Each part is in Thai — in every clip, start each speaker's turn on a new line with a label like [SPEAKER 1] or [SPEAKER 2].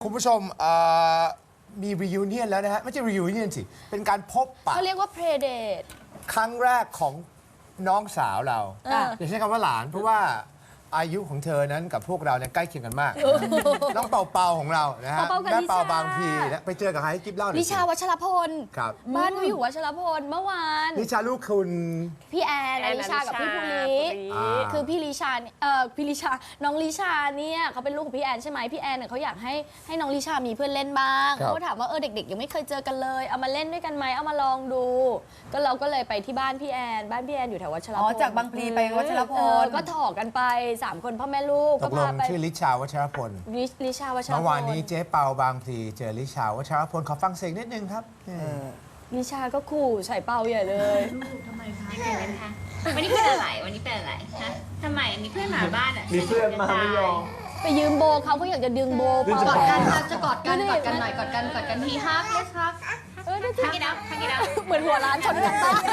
[SPEAKER 1] คุณผู้ชมมี reunion แล้วนะฮะไม่ใช่ reunion สิ เป็นการพบปะ
[SPEAKER 2] เขาเรียกว่า play date
[SPEAKER 1] ครั้งแรกของน้องสาวเรา
[SPEAKER 2] อ่ะ
[SPEAKER 1] อย่าใช้คำว่าหลาน เพราะว่าอายุของเธอนั้นกับพวกเราเนี่ยใกล้เคียงกันมาก น้องเปาเปาของเรานะฮะ
[SPEAKER 2] เปาๆกับ
[SPEAKER 1] แม่
[SPEAKER 2] ลิชา
[SPEAKER 1] เปาบางพีนะไปเจอกับใครให้กิ๊บเล่าหน่อย
[SPEAKER 2] ลิชา
[SPEAKER 1] สิ
[SPEAKER 2] วัชรพล
[SPEAKER 1] ครับ
[SPEAKER 2] บ้านเขาอยู่วัชรพลเมื่อวาน
[SPEAKER 1] ลิชาลูกคุณ
[SPEAKER 2] พี่แอนอลิชากับพี่ภูริ
[SPEAKER 1] อ่า
[SPEAKER 2] คือพี่ลิชาเนี่ยพี่ลิชาน้องลิชาเนี่ยเขาเป็นลูกของพี่แอนใช่ไหมพี่แอนเนี่ยเขาอยากให้น้องลิชามีเพื่อนเล่นบ้างเขาก็ถามว่าเด็กๆยังไม่เคยเจอกันเลยเอามาเล่นด้วยกันไหมเอามาลองดู ก็เราก็เลยไปที่บ้านพี่แอนอยู่แถววัชรพล
[SPEAKER 3] อ๋อจากบางพลีไปวัชรพล
[SPEAKER 2] ก็ถอกกันไป3คนพ่อแม่ลูก
[SPEAKER 1] ต
[SPEAKER 2] ก็
[SPEAKER 1] กล
[SPEAKER 2] พาง ไป
[SPEAKER 1] ชื่อลิชาวัชรพล
[SPEAKER 2] ลิชาวัชรพล
[SPEAKER 1] เมื่อวานนี้เจ๊เปาบางพลีเจอลิชาวัชรพลขอฟังเสียงนิดนึงครับ
[SPEAKER 2] ลิชาก็ขู่ใส่เป่าใหญ่เลย
[SPEAKER 4] ทำไมคะวันนี้เป็นอะไรวันนี้เป็นอะไรฮะทำไมมีเพื่อนมาบ้านอ่ะมีเพื่อนมาไม่ยอม
[SPEAKER 2] ไปยืมโบเขาอยากจะดึงโบเป่าก
[SPEAKER 4] อดกันครับจะกอดกันกอดกันหน่อยกอดกันทีฮักเลยครับ
[SPEAKER 2] ดูสิ
[SPEAKER 4] ทักกี้ดาว
[SPEAKER 2] เหมือนหัวร้านชนกันปะ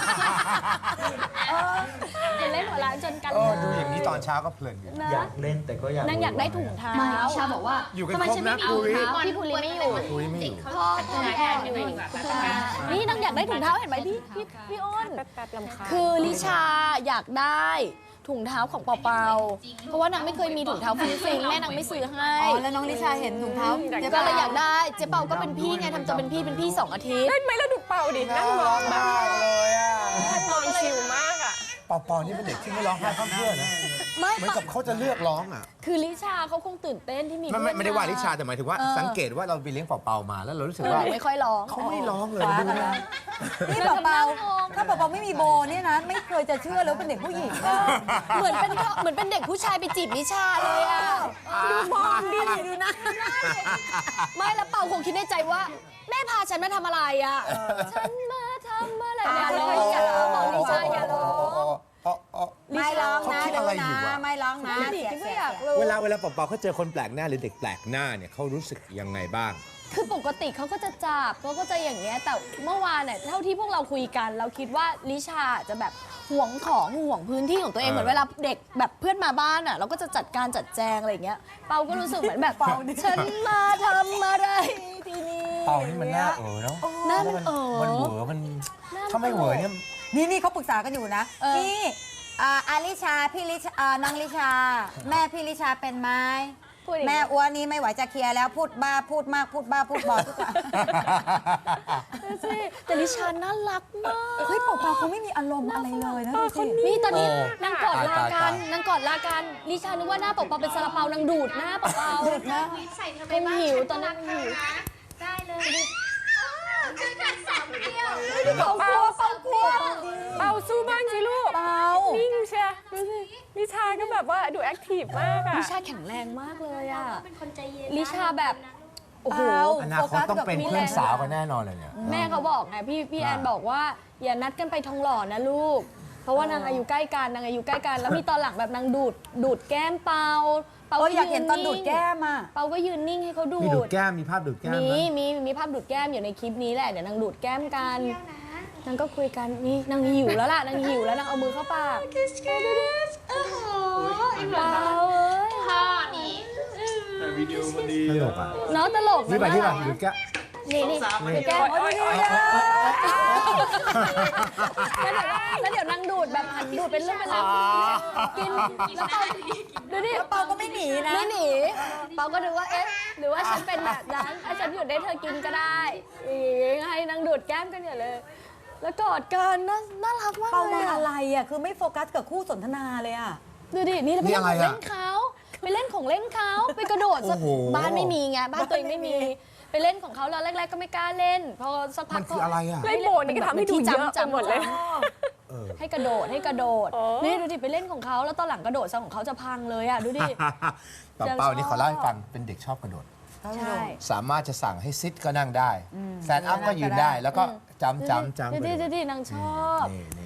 [SPEAKER 2] เป็นเล่นหัวร้านชนกัน
[SPEAKER 1] ดูอย่างนี้ตอนเช้าก็เพลินอยู่
[SPEAKER 2] นะ
[SPEAKER 5] อยากเล่นแต่ก็อยาก
[SPEAKER 2] นางอยากได้ถุงเท้า
[SPEAKER 4] ไม่ชาบอกว่า
[SPEAKER 1] อยู่กัน
[SPEAKER 4] ทำไม
[SPEAKER 1] ครบ
[SPEAKER 4] ฉัน
[SPEAKER 1] นะ
[SPEAKER 4] ไม่มีถุงเท้า
[SPEAKER 2] พี่ภูริไม่อยู่
[SPEAKER 1] ภูริไม่อยู่
[SPEAKER 4] พ่อพี่แอนอยู่
[SPEAKER 2] นี่นางอยากได้ถุงเท้าเห็นไหมพี่อ้นคือลิชาอยากได้ถุงเท้าของเปาเปาเพราะว่านางไม่เคยมีถุงเท้าฟริงๆแม่นางไม่ซื้อให้
[SPEAKER 3] อ๋อแล้วน้องลิชาเห็นถุงเท้า
[SPEAKER 2] ก็เลยอยากได้เจ๊เปาก็เป็นพี่ไงทำตัวเป็นพี่2 อาทิตย์
[SPEAKER 6] เล่นไหมแล้วดูเป่าดินั่งมองแบบ
[SPEAKER 1] เลยอ่ะ
[SPEAKER 6] มองชิลมากอ่ะ
[SPEAKER 1] ปอปอนี่เป็นเด็กที่ไม่ร้องไห้ข้ามเพื่อนนะ
[SPEAKER 2] ไม่
[SPEAKER 1] เหมือนกับเขาจะเลือกร้องอ่ะ
[SPEAKER 2] คือลิชาเขาคงตื่นเต้นที่มี
[SPEAKER 1] ไม่ได้ว่าลิชาแต่หมายถึงว่าสังเกตว่าเราไปเลี้ยงเปาๆมาแล้วเรารู้สึกว่า
[SPEAKER 2] ไม่ค่อยร้อง
[SPEAKER 1] เขาไม่ร้องเลยดูนะ
[SPEAKER 3] นี่เบาๆถ้าเบาๆไม่มีโบเนี่ยนะไม่เคยจะเชื่อเลยว่าเป็นเด็กผู้หญิงอะ
[SPEAKER 2] เหมือนเป็นเด็กผู้ชายไปจีบลิชาเลยอ่ะดูมองดิดูนะไม่แล้วเป่าคงคิดในใจว่า แม่พาฉันมาทำอะไรอ่ะฉันมาทำอะไรอย่าร้องอย่าร้องบอกลิชาอย่าร้อง
[SPEAKER 3] ไม่ร้องนะ
[SPEAKER 1] เขาคิด
[SPEAKER 3] ดู
[SPEAKER 1] อะไรอ
[SPEAKER 3] นะ
[SPEAKER 1] ยู่อะ
[SPEAKER 3] ไม่ร้องนะ
[SPEAKER 2] ดิ
[SPEAKER 3] เสีย
[SPEAKER 2] ก็
[SPEAKER 3] เสีย
[SPEAKER 2] อยากรู้
[SPEAKER 1] เวลาเปาๆเขาเจอคนแปลกหน้าหรือเด็กแปลกหน้าเนี่ยเขารู้สึกยังไงบ้าง
[SPEAKER 2] คือปกติเขาก็จะจับเขาก็จะอย่างเงี้ยแต่เมื่อวานเนี่ยเท่าที่พวกเราคุยกัน เราคิดว่าลิชาจะแบบห่วงของห่วงพื้นที่ของตัวเองเหมือนเวลาเด็กแบบเพื่อนมาบ้านอ่ะเราก็จะจัดการจัดแจงอะไรอย่างเงี้ยเปาก็รู้สึกเหมือนแบบฉันมาทำอะไรที่นี่
[SPEAKER 1] เปานี่มันน่าเนาะ
[SPEAKER 2] หน้ามัน
[SPEAKER 1] มันเหวอมันถ้าไม่เหวอเนี่ย
[SPEAKER 3] นี่เขาปรึกษากันอยู่นะนี่อาลิชาพี่ลิชาน้องลิชา แม่พี่ลิชาเป็นไหม
[SPEAKER 2] พูดอย่าง
[SPEAKER 3] แม่
[SPEAKER 2] เงี้ย
[SPEAKER 3] อ้วนนี้ไม่ไหวจะเคลียร์แล้วพูดบ้าพูดมากพูดบ้าพูดบอทุกอย่าง
[SPEAKER 2] ดูสิแต่ลิชาน่ารักมาก
[SPEAKER 3] เฮ้ยเปล่าๆเขาไม่มีอารมณ์อะไรเลยนะดูสิ
[SPEAKER 2] นี่ตอนนี้
[SPEAKER 1] โอ้
[SPEAKER 2] นางกอดลากั
[SPEAKER 1] ตาย
[SPEAKER 2] นนางกอดลากันลิชานึกว่าหน้าเปาๆเป็นซาลาเปานางดูดหน้าเปาๆ
[SPEAKER 4] ใส่เธอไปบ้าน
[SPEAKER 2] หิวตอนนั้นหิว
[SPEAKER 4] ได้เลยเจอกันสามเดียว
[SPEAKER 2] เปากลัวเปากลัว
[SPEAKER 6] เป่าสู้บ้างสิลูก
[SPEAKER 3] เปล่า
[SPEAKER 6] นิ่งเชียดูสินิชาก็แบบว่าดูแอคทีฟมากอ่ะ
[SPEAKER 2] ลิชาแข็งแรงมากเลยอ่ะ
[SPEAKER 4] เป็นคนใจเย็น
[SPEAKER 2] ลิชาแบบ โอ้โห
[SPEAKER 1] อนาคตต้องเป็นเพื่อนสาวกันแน่นอนเลยเนี่ย
[SPEAKER 2] แม่เขาบอกไงพี่แอนบอกว่า อย่านัดกันไปทองหล่อนะลูก เพราะว่านางอายุใกล้กันนางอายุใกล้กัน แล้วมีตอนหลังแบบนางดูดแก้มเปา
[SPEAKER 3] ก็อยากเห็นตอนดูดแก้มอ่ะ
[SPEAKER 2] เปาก็ยืนนิ่งให้เขาดู
[SPEAKER 1] มีดูด
[SPEAKER 2] ด
[SPEAKER 1] แก้มมีภาพดูดแก้ม
[SPEAKER 2] มี
[SPEAKER 1] ไหม
[SPEAKER 2] มีภาพดูดแก้มอยู่ในคลิปนี้แหละเดี๋ยวนางดูดแก้มกันนางก็คุยกันนี่นางหิวแล้วล่ะนางหิวแล้วนางเอามือเข้าปาก
[SPEAKER 4] โอ้โห
[SPEAKER 2] เปาเอ้ย
[SPEAKER 4] พ่อนี่
[SPEAKER 1] ตลกอ่ะ
[SPEAKER 2] เนาะตลก
[SPEAKER 1] นี่ไป
[SPEAKER 2] นะ
[SPEAKER 1] ที่แบบดูดแก้ม
[SPEAKER 2] นี่ดูดแก้ม
[SPEAKER 6] โอ๊ยโอ๊ยโอ๊ย
[SPEAKER 2] แล้วเดี๋ยวนางดูดแบบหันดูดเป็นเรื่องเป็นราวกินแล้วเปาดูดิ
[SPEAKER 3] เปาก็ไม่หนีนะ
[SPEAKER 2] ไม่หนีเปาก็ดูว่าเอ๊ะหรือว่าฉันเป็นแบบนั้นถ้าฉันหยุดได้เธอกินก็ได้ให้นางดูดแก้มกันอย่าเลย แล้วกอดกันน่ารักมาก
[SPEAKER 3] เปา
[SPEAKER 2] เล
[SPEAKER 3] มาย
[SPEAKER 2] อะ
[SPEAKER 3] อะไรอ่ะคือไม่โฟกัสกับคู่สนทนาเลยอ่ะ
[SPEAKER 2] ดูดินี่เราไปเล่นของเล่นเขาไปเล่นของเล่นเขาไปกระโดดซะบ้านไม่มีไงบ้านตัวเองไม่มีไปเล่นของเขาแล้วแรกๆก็ไม่กล้าเล่นพอสักพั
[SPEAKER 1] มั
[SPEAKER 2] ก
[SPEAKER 1] นคืออะไรอ่ะ
[SPEAKER 6] เล่นโบนี่ก็ทำให้ดูเยอะไปหมดเลย
[SPEAKER 2] ให้กระโดด
[SPEAKER 6] โอ้
[SPEAKER 2] นี่ดูดิไปเล่นของเขาแล้วตอนหลังกระโดดซะของเขาจะพังเลยอ่ะดูดิ
[SPEAKER 1] เปาๆนี่ขอเล่าให้ฟังเป็นเด็กชอบกระโดด
[SPEAKER 2] ใช่
[SPEAKER 1] สามารถจะสั่งให้ซิทก็นั่งได้แซนด์อัพก็ยืนได้ แล้วก็จำ
[SPEAKER 2] ดูดินางชอบ
[SPEAKER 1] นี่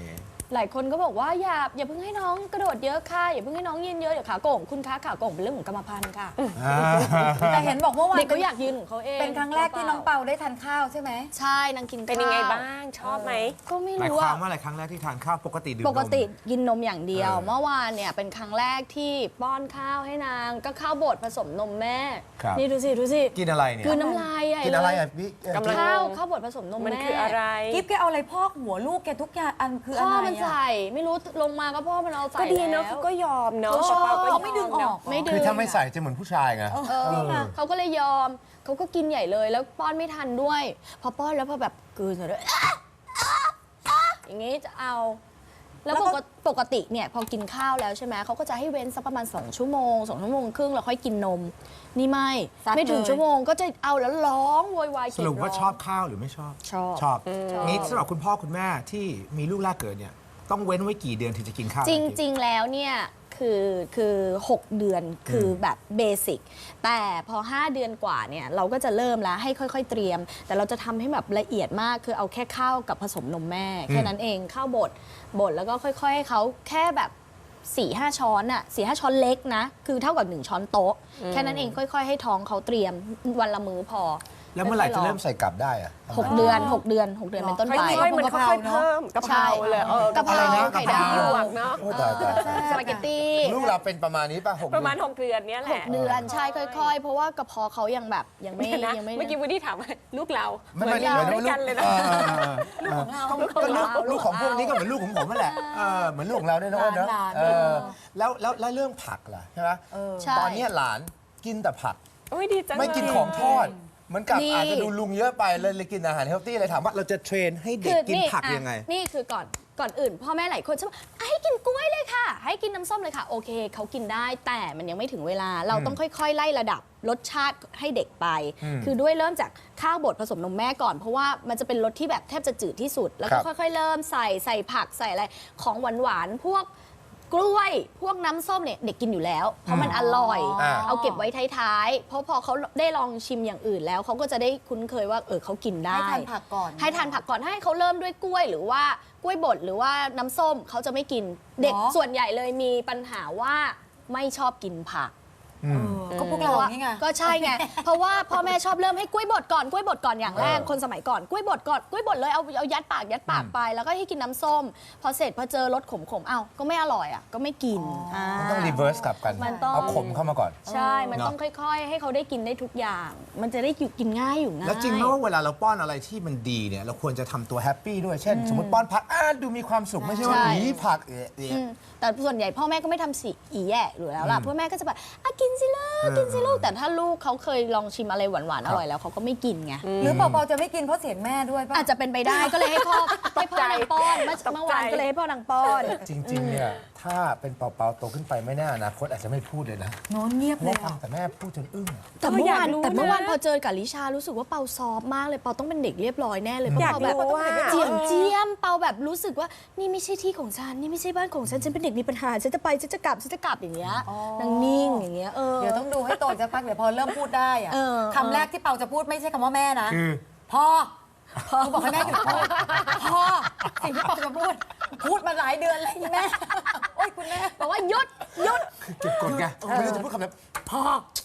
[SPEAKER 2] หลายคนก็บอกว่าอย่าเพิ่งให้น้องกระโดดเยอะค่ะอย่าเพิ่งให้น้องยืนเยอะเดี๋ยวขาโก่งคุณคะขาโก่งเป็นเรื่องของกรรมพันธุ์ค่ะ
[SPEAKER 3] แต่เห็นบอกเมื่อวาน
[SPEAKER 2] เด็กก็อยากยืนของเขาเอง
[SPEAKER 3] เป็นครั้งแรกที่น้องเปาได้ทานข้าวใช่ไหม
[SPEAKER 2] ใช่นางกิน
[SPEAKER 6] เป็นยังไงบ้างชอบไหม
[SPEAKER 2] ก็ไม่
[SPEAKER 1] หมาย
[SPEAKER 2] รู้
[SPEAKER 1] ความ
[SPEAKER 2] อะ
[SPEAKER 1] ว่าอะไรครั้งแรกที่ทานข้าวปกติดื่มนม
[SPEAKER 2] ปกติกินนมอย่างเดียว
[SPEAKER 1] เออ
[SPEAKER 2] เมื่อวานเนี่ยเป็นครั้งแรกที่ป้อนข้าวให้นางก็ข้าวบดผสมนมแม่
[SPEAKER 1] ครับ
[SPEAKER 2] นี่ดูสิ
[SPEAKER 1] กินอะไรเนี่ย
[SPEAKER 2] คือน้ำลายใหญ่
[SPEAKER 1] กิน
[SPEAKER 2] เล
[SPEAKER 1] อะไร
[SPEAKER 2] ย
[SPEAKER 1] อ่ะพี่
[SPEAKER 6] กำลัง
[SPEAKER 2] ข้าวบดผสมนม
[SPEAKER 6] มัน
[SPEAKER 2] แม่
[SPEAKER 6] คืออะไร
[SPEAKER 3] กิ๊บแกเอาอะไรพอกหัวลูกแกทุกอย่างอันคืออะ
[SPEAKER 2] พ่อ
[SPEAKER 3] ไร
[SPEAKER 2] มัน
[SPEAKER 3] อะ
[SPEAKER 2] ใส่ไม่รู้ลงมาก็พ่อมันเอาใส่
[SPEAKER 6] ก็ดีเนาะ
[SPEAKER 2] แล้ว
[SPEAKER 6] เขาก็ยอมเนาะ
[SPEAKER 2] เขาชอบ
[SPEAKER 6] ปาก็ยอ
[SPEAKER 3] เขาไม่ดึงออก
[SPEAKER 2] ไม่ดึง
[SPEAKER 1] คือถ้าไม่ใส่จะเหมือนผู้ชายไง
[SPEAKER 2] เขาก็เลยยอมเขาก็กินใหญ่เลยแล้วป้อนไม่ทันด้วย พอป้อนแล้วพอแบบกลืนเลยอย่างงี้จะเอา แล้วปกติเนี่ยพอกินข้าวแล้วใช่ไหมเขาก็จะให้เว้นสักประมาณ2 ชั่วโมง2 ชั่วโมงครึ่งแล้วค่อยกินนม นี่ไม่ถึงชั่วโมงก็จะเอาแล้วร้องโวยวาย
[SPEAKER 1] สรุปว่าชอบข้าวหรือไม่ชอบ
[SPEAKER 2] ชอบ
[SPEAKER 1] ชอบงี้สำหรับคุณพ่อคุณแม่ที่มีลูกแรกเกิดเนี่ยต้องเว้นไว้กี่เดือนถึงจะกินข้าว
[SPEAKER 2] จริง ๆ แล้วเนี่ยคือ6 เดือนคือแบบเบสิกแต่พอ 5 เดือนกว่าเนี่ยเราก็จะเริ่มแล้วให้ค่อยๆเตรียม แต่เราจะทำให้แบบละเอียดมากคือเอาแค่ข้าวกับผสมนมแม่แค่นั้นเองข้าวบดแล้วก็ค่อยๆให้เขาแค่แบบ 4-5 ช้อนอะ4-5 ช้อนเล็กนะคือเท่ากับ1 ช้อนโต๊ะแค่นั้นเองค่อยๆให้ท้องเขาเตรียมวันละมื้อพอ
[SPEAKER 1] แล้วเมื่อไหร่จะเริ่มใส่กลับได้อะ
[SPEAKER 2] 6 เดือนเป็นต้นไป
[SPEAKER 6] ค่อยๆมันค่อยๆเพิ่มกะเพราเลย
[SPEAKER 2] กะเพรา
[SPEAKER 1] อะไรนะ
[SPEAKER 2] ไข่ดา
[SPEAKER 6] ห
[SPEAKER 2] ว
[SPEAKER 6] ยวกเนาะ
[SPEAKER 1] โอ้ตาย
[SPEAKER 2] สปาเกตตี้
[SPEAKER 1] ลูกเราเป็นประมาณนี้ป่ะ6
[SPEAKER 6] ประมาณ6 เดือนเนี้ยแหละ
[SPEAKER 2] 6 เดือนใช่ค่อยๆ เพราะว่ากระเพาะเขายังแบบยังไม่
[SPEAKER 6] นะ
[SPEAKER 2] ยังไม่
[SPEAKER 6] เมื่อกี้วูดดี้ถามว่าลูกเรา
[SPEAKER 1] ไม่
[SPEAKER 6] เหมือนเราด้วยกันเลยนะ
[SPEAKER 1] ลูกของพวกนี้ก็เหมือนลูกของผมนั่นแหละเหมือนลูกของเราเนี่ยนะอ้นนะ
[SPEAKER 3] หลาน
[SPEAKER 1] แล้วเรื่องผักล่ะใช่ไหม
[SPEAKER 2] ใช่
[SPEAKER 1] ตอนนี้หลานกินแต่ผัก
[SPEAKER 6] โอ้ยดีจังเลย
[SPEAKER 1] ไม่กินของทอดเหมือนกับ
[SPEAKER 2] ดี
[SPEAKER 1] อาจจะดูลุงเยอะไปเลยกินอาหารเฮลตี้เลยถามว่าเราจะเทรนให้เด็กกินผักยังไง
[SPEAKER 2] นี่คือก่อนอื่นพ่อแม่หลายคนชอบให้กินกล้วยเลยค่ะ ให้กินน้ำส้มเลยค่ะ โอเคเขากินได้แต่มันยังไม่ถึงเวลาเราต้องค่อยๆ ไล่ระดับรสชาติให้เด็กไป คือด้วยเริ่มจากข้าวบดผสมนมแม่ก่อน เพราะว่ามันจะเป็นรสที่แบบแทบจะจืดที่สุด แล้วก็
[SPEAKER 1] ครับ
[SPEAKER 2] ค่อยๆเริ่มใส่ผักใส่อะไรของหวานๆพวกกล้วยพวกน้ำส้มเนี่ยเด็กกินอยู่แล้ว เพราะมันอร่อย เอาเก็บไว้ท้ายๆเพราะพอเขาได้ลองชิมอย่างอื่นแล้วเขาก็จะได้คุ้นเคยว่าเขากินได้
[SPEAKER 3] ให้ทานผักก่อน
[SPEAKER 2] ให้ทานผักก่อนให้เขาเริ่มด้วยกล้วยหรือว่ากล้วยบดหรือว่าน้ำส้มเขาจะไม่กินเด็ก
[SPEAKER 3] หรอ
[SPEAKER 2] ส่วนใหญ่เลยมีปัญหาว่าไม่ชอบกินผัก
[SPEAKER 3] ก็พวกเรานี่ไง
[SPEAKER 2] ก็ใช่ไง เพราะว่าพ่อแม่ชอบเริ่มให้กล้วยบดก่อนอย่างแรกคนสมัยก่อนกล้วยบดก่อนกล้วยบดเลยเอายัดปากไปแล้วก็ให้กินน้ำส้ม พอเสร็จพอเจอรสขมๆก็ไม่อร่อยก็ไม่กิน
[SPEAKER 1] มันต้องรีเวิร์สกลับกัน
[SPEAKER 2] มันต้อง
[SPEAKER 1] เอาขมเข้ามาก่อน
[SPEAKER 2] ใช่ มันต้องค่อยๆ ให้เขาได้กินได้ทุกอย่าง มันจะได้อยู่กินง่ายอยู่ง่าย
[SPEAKER 1] แล้วจริงไหมว่าเวลาเราป้อนอะไรที่มันดีเนี่ยเราควรจะทำตัวแฮปปี้ด้วยเช่น สมมติป้อนผักดูมีความสุขไม่ใช่ว่า
[SPEAKER 2] ใช่
[SPEAKER 1] หนีผัก
[SPEAKER 2] แต่ส่วนใหญ่พ่อแม่ก็ไม่ทำสีอีแย่อยู่แล้วล่ะพ่อแม่ก็จะแบบกินสิลูกแต่ถ้าลูกเขาเคยลองชิมอะไรหวานๆอร่อยแล้วเขาก็ไม่กินไง
[SPEAKER 3] หรือเปาๆจะไม่กินเพราะเสียงแม่ด้วยป่ะ
[SPEAKER 2] อาจจะเป็นไปได้ก็เลยให้พ่อนางป้อนเมื่อวานก็เลยให้พ่อนางป้อน
[SPEAKER 1] จริงๆเนี่ยถ้าเป็นเปาๆโตขึ้นไปไม่แน่อนาคตอาจจะไม่พูดเลยนะ
[SPEAKER 3] โน้นเงียบ
[SPEAKER 1] เพราะ
[SPEAKER 3] เล
[SPEAKER 1] ว่าย ฟัง
[SPEAKER 3] อะ
[SPEAKER 1] แต่แม่พูดจนอึ้งอะ
[SPEAKER 2] แต่เมื่อวาน
[SPEAKER 6] อยากรู้นะ
[SPEAKER 2] แต่เมื่อวานพอเจอกับลิชารู้สึกว่าเปาซอฟต์มากเลยเปาต้องเป็นเด็กเรียบร้อยแน่เลยเพราะ
[SPEAKER 6] อยาก
[SPEAKER 2] เปาแบบ
[SPEAKER 6] รู้ว่า
[SPEAKER 2] เจียมเปาแบบรู้สึกว่านี่ไม่ใช่ที่ของฉันนี่ไม่ใช่บ้านของฉันเป็นเด็กมีปัญหาฉันจะไปฉันจะกลับอย่างเงี้ยนางนิ่งอย่างเงี้ย
[SPEAKER 3] เดี๋ยวต้องดูให้โตจะพักเดี๋ยวพอเริ่มพูดได้อะ
[SPEAKER 2] เออ
[SPEAKER 3] คำแรกที่เปาจะพูดไม่ใช่คำว่าแม่นะ
[SPEAKER 1] คือ
[SPEAKER 3] พ่อเขาบอกให้แม่หยุดพูดพ่อสิ่งที่เปาจะพูดมาหลายเดือนแล้วอีแม่โอ๊ยคุณแม่
[SPEAKER 2] บอกว่าหยุด
[SPEAKER 1] เก็บกดไงไม่รู้จะพูดคำไหนพ่อ